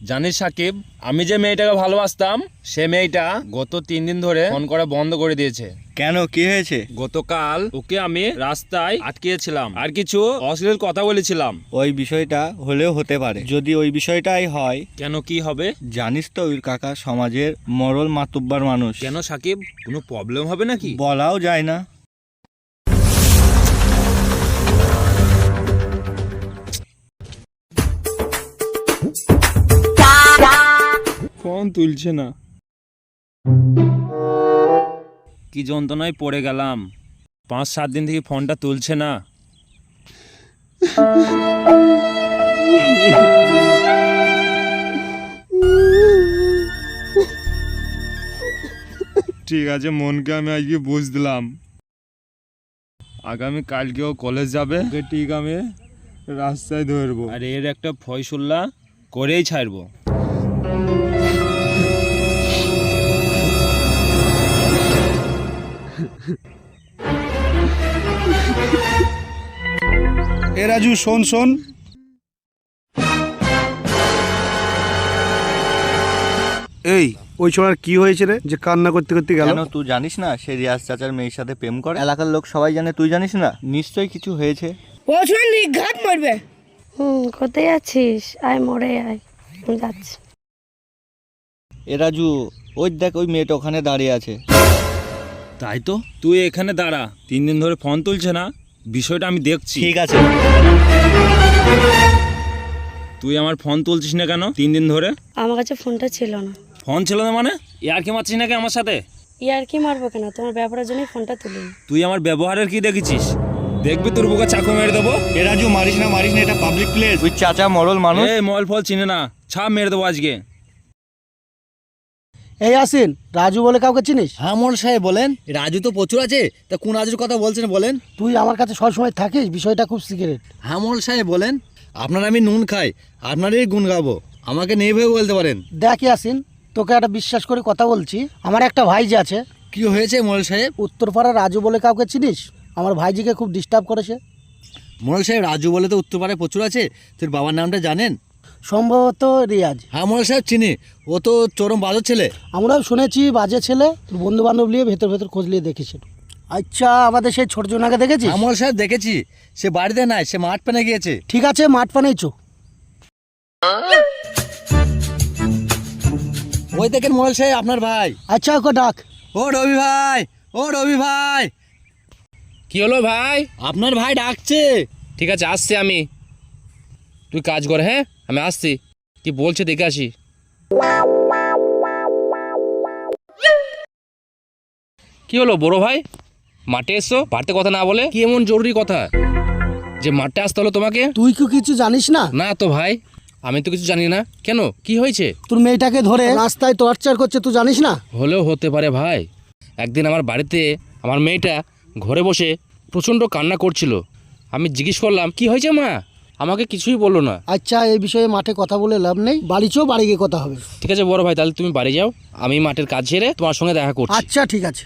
জানিস সাকিব, আমি যে মেয়েটাকে ভালোবাসতাম সে মেয়েটা গত 3 দিন ধরে ফোন করা বন্ধ করে দিয়েছে। কেন, কি হয়েছে? গতকাল ওকে আমি রাস্তায় আটকিয়েছিলাম আর কিছু অশ্লীল কথা বলেছিলাম। ওই বিষয়টা হলেও হতে পারে। যদি ওই বিষয়টাই হয়, কেন, কি হবে? জানিস তো ওই কাকা সমাজের মরল মাতুব্বার মানুষ। কেন সাকিব, কোনো প্রবলেম হবে নাকি? বলাও যায় না। ফোন তুলছে না, কি যন্ত্রণায় পড়ে গেলাম। 5-7 দিন থেকে ফোনটা তুলছে না। ঠিক আছে, মনকে আমি আজকে বুঝ দিলাম। আগামী কালকেও কলেজ যাবে, ওকে ঠিক আমি রাস্তায় ধরবো আর এর একটা ফয়সলা করেই ছাড়বো। এ রাজু, শোন শোন, এই ওই ছোড়ার কি হয়েছে রে যে কান্না করতে করতে গেল? কেন, তুই জানিস না সে রিয়াজ চাচার মেয়ের সাথে প্রেম করে? এলাকার লোক সবাই জানে, তুই জানিস না? নিশ্চয়ই কিছু হয়েছে। ও ছোড়া নিঘাত মারবে। কোথায় আছিস? আয় মোড়ে আয়, যাচ্ছি। এ রাজু, ওই দেখ ওই মেয়েটা ওখানে দাঁড়িয়ে আছে। তাই তো, তুই এখানে দাঁড়া, 3 দিন ধরে ফোন তুলছে না, বিষয়টা আমি দেখছি। ঠিক আছে। তুই আমার ফোন তুলছিস না কেন 3 দিন ধরে? আমার কাছে ফোনটা ছিল না। ফোন ছিল না মানে? ইয়ার কি মারছিস নাকি আমার সাথে? ইয়ার কি মারবো কেন? তোমার ব্যাপারের জন্যই ফোনটা তুলিনি। তুই আমার ব্যবহারের কি দেখেছিস? দেখবি তোর বুকে চাকু মেরে দেবো। এ রাজু, মারিস না, এটা পাবলিক প্লেস। ওই চাচা মরল মানুষ। এই মল ফল চিনে না, ছাপ মেরে দেবো আজকে। এই আসিন, রাজু বলে কাউকে চিনিস? হ্যাঁ মোড়ল সাহেব বলেন। রাজু তো প্রচুর আছে, তা কোন রাজুর কথা বলছেন বলেন? তুই আমার কাছে সবসময় থাকিস, বিষয়টা খুব সিক্রেট। হ্যাঁ মোড়ল সাহেব বলেন। আপনার আমি নুন খাই, আপনারই গুণ গাবো, আমাকে নেই ভেবে বলতে পারেন। দেখ আসিন, তোকে একটা বিশ্বাস করে কথা বলছি। আমার একটা ভাইজি আছে। কি হয়েছে মোড়ল সাহেব? উত্তরপাড়ার রাজু বলে কাউকে চিনিস? আমার ভাইজিকে খুব ডিস্টার্ব করেছে। মোড়ল সাহেব, রাজু বলে তো উত্তরপাড়ায় প্রচুর আছে, তোর বাবার নামটা জানেন? সম্ভবত রিয়াজ। হ্যাঁ মোড়ল সাহেব চিনি, ও তো চরম বাজার ছেলে। আমরাও শুনেছি বাজে ছেলে। তোর বন্ধু বান্ধব নিয়ে ভেতর ভেতর খোঁজ নিয়ে দেখেছিল। আচ্ছা, আমাদের সেই ছোট জোনাকে দেখেছিস? হ্যাঁ মোড়ল সাহেব দেখেছি, সে বাড়িতে নাই, সে মাঠ পেনে গিয়েছে। ঠিক আছে, মাঠ পানেই চো। ওই দেখেন মোড়ল সাহেব আপনার ভাই। আচ্ছা, ওকে ডাক। ও রবি ভাই, ও রবি ভাই। কি হলো ভাই? আপনার ভাই ডাকছে। ঠিক আছে, আসছি আমি। তুই কাজ কর, হ্যাঁ আমি আসছি। কি বলছে দেখে আসি। কি হলো বড় ভাই, মাঠে এসছো? বাড়িতে কথা না বলে কি এমন জরুরি কথা যে মাঠে আসতে হলো তোমাকে? তুই কি কিছু জানিস না? না তো ভাই, আমি তো কিছু জানি না। কেন, কি হয়েছে? তোর মেয়েটাকে ধরে রাস্তায় টর্চার করছে, তুই জানিস না? হলেও হতে পারে ভাই। একদিন আমার বাড়িতে আমার মেয়েটা ঘরে বসে প্রচণ্ড কান্না করছিল। আমি জিজ্ঞেস করলাম কি হয়েছে মা, আমাকে কিছুই বললো না। আচ্ছা, এই বিষয়ে মাঠে কথা বলে লাভ নেই, বাড়ি চো, বাড়ি গিয়ে কথা হবে। ঠিক আছে বড় ভাই, তাহলে তুমি বাড়ি যাও, আমি মাঠের কাজ সেরে তোমার সঙ্গে দেখা করছি। আচ্ছা ঠিক আছে।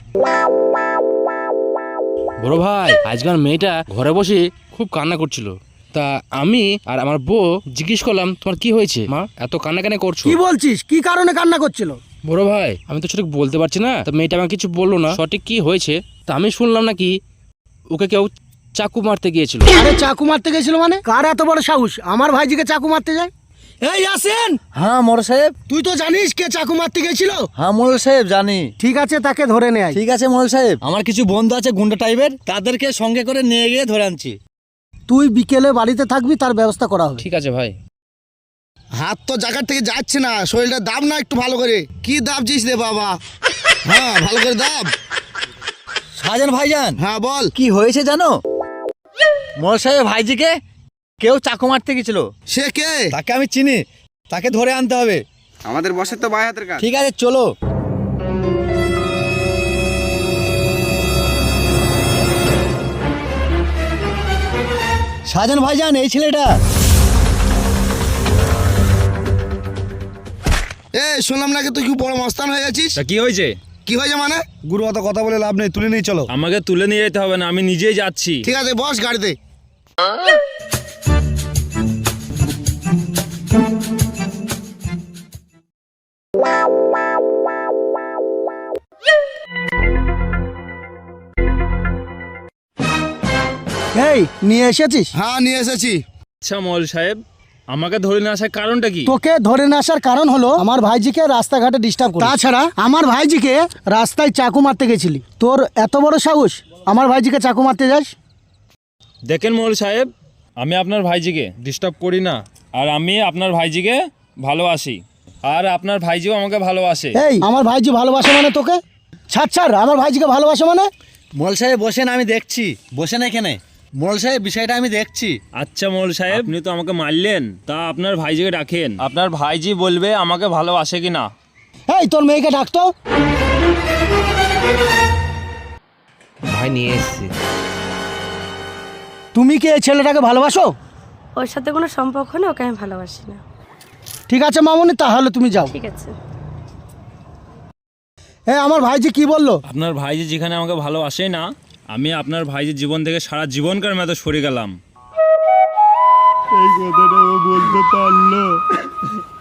বড় ভাই, আজকাল মেয়েটা ঘরে বসে খুব কান্না করছিল। তা আমি আর আমার বউ জিজ্ঞেস করলাম তোমার কি হয়েছে মা, এত কান্না কেন করছো? কি বলছিস? কি কারণে কান্না করছিল? বড় ভাই, আমি তো সঠিক বলতে পারছি না। তা মেয়েটা আমাকে কিছু বললো না সঠিক কি হয়েছে। তা আমি শুনলাম নাকি ওকে কেউ চাকু মারতে গিয়েছিল। আরে চাকু মারতে গেছিল মানে? কার এত বড় সাহস আমার ভাইজিকে চাকু মারতে যায়? এই আসেন। হ্যাঁ মোড়ল সাহেব। তুই তো জানিস কে চাকু মারতে গেছিল? হ্যাঁ মোড়ল সাহেব জানি। ঠিক আছে, তাকে ধরে নেয়। ঠিক আছে মোড়ল সাহেব, আমার কিছু বন্ধু আছে গুন্ডা টাইপের, তাদেরকে সঙ্গে করে নিয়ে গিয়ে ধরে আনছি। তুই বিকেলে বাড়িতে থাকবি, তার ব্যবস্থা করা হবে। ঠিক আছে ভাই। হাত তো জায়গার থেকে যাচ্ছে না, শরীরটা দাব না একটু ভালো করে। কি দাবছিস রে বাবা? হ্যাঁ, ভালো করে দাব। শাহজান ভাইজান। হ্যাঁ বল। কি হয়েছে জানো? মোড়ল সাহেব ভাইজিকে কেউ চাকু মারতে গেছিল। সে কে? তাকে আমি চিনি, তাকে ধরে আনতে হবে। আমাদের বসের তো বাই হাতের কাজ। ঠিক আছে চলো। শাহজান ভাইজান, এই ছেলেটা। শুনলাম নাকি তুই খুব বড় মস্তান হয়ে গেছিস। তা কি হয়েছে? কি হয়েছে মানে? গুরু অত কথা বলে লাভ নেই, তুলে নিয়ে চলো। আমাকে তুলে নিয়ে যেতে হবে না, আমি নিজেই যাচ্ছি। ঠিক আছে, বস গাড়িতে। এই নিয়ে এসেছিস? হ্যাঁ নিয়ে এসেছি। আচ্ছা মল সাহেব, আমাকে ধরে নিয়ে আসার কারণটা কি? তোকে ধরে না আসার কারণ হলো আমার ভাইজিকে রাস্তাঘাটে ডিস্টার্ব করিস। তাছাড়া আমার ভাইজিকে রাস্তায় চাকু মারতে গেছিলি, তোর এত বড় সাহস আমার ভাইজিকে চাকু মারতে যাস? দেখেন মল সাহেব, আমি আপনার ভাইজিকে ডিস্টার্ব করি না, আর আমি আপনার ভাইজিকে ভালোবাসি, আর আপনার ভাইজিও আমাকে ভালোবাসে। এই আমার ভাইজি ভালোবাসে মানে তোকে? ছাড়, আমার ভাইজিকে ভালোবাসে মানে? মোল সাহেব বসেন, আমি দেখছি। বসেন এখানে। মোল সাহেব বিষয়টা আমি দেখছি। আচ্ছা মল সাহেব, আপনি তো আমাকে মারলেন, তা আপনার ভাইজিকে ডাকেন, আপনার ভাইজি বলবে আমাকে ভালোবাসে কি না। এই তোর মেয়েকে ডাকতো। ভাই নিয়ে এসেছি। তুমি কি এই ছেলেটাকে ভালোবাসো? ওর সাথে কোনো সম্পর্ক নেই, ওকে আমি ভালোবাসি না। ঠিক আছে মামুনি, তাহলে তুমি যাও। ঠিক আছে। হ্যাঁ আমার ভাইজি কি বললো? আপনার ভাইজি যেখানে আমাকে ভালোবাসেই না, আমি আপনার ভাইজির জীবন থেকে সারা জীবনকার মতো সরে গেলাম। এই কথাটা ও বলতে পারলো।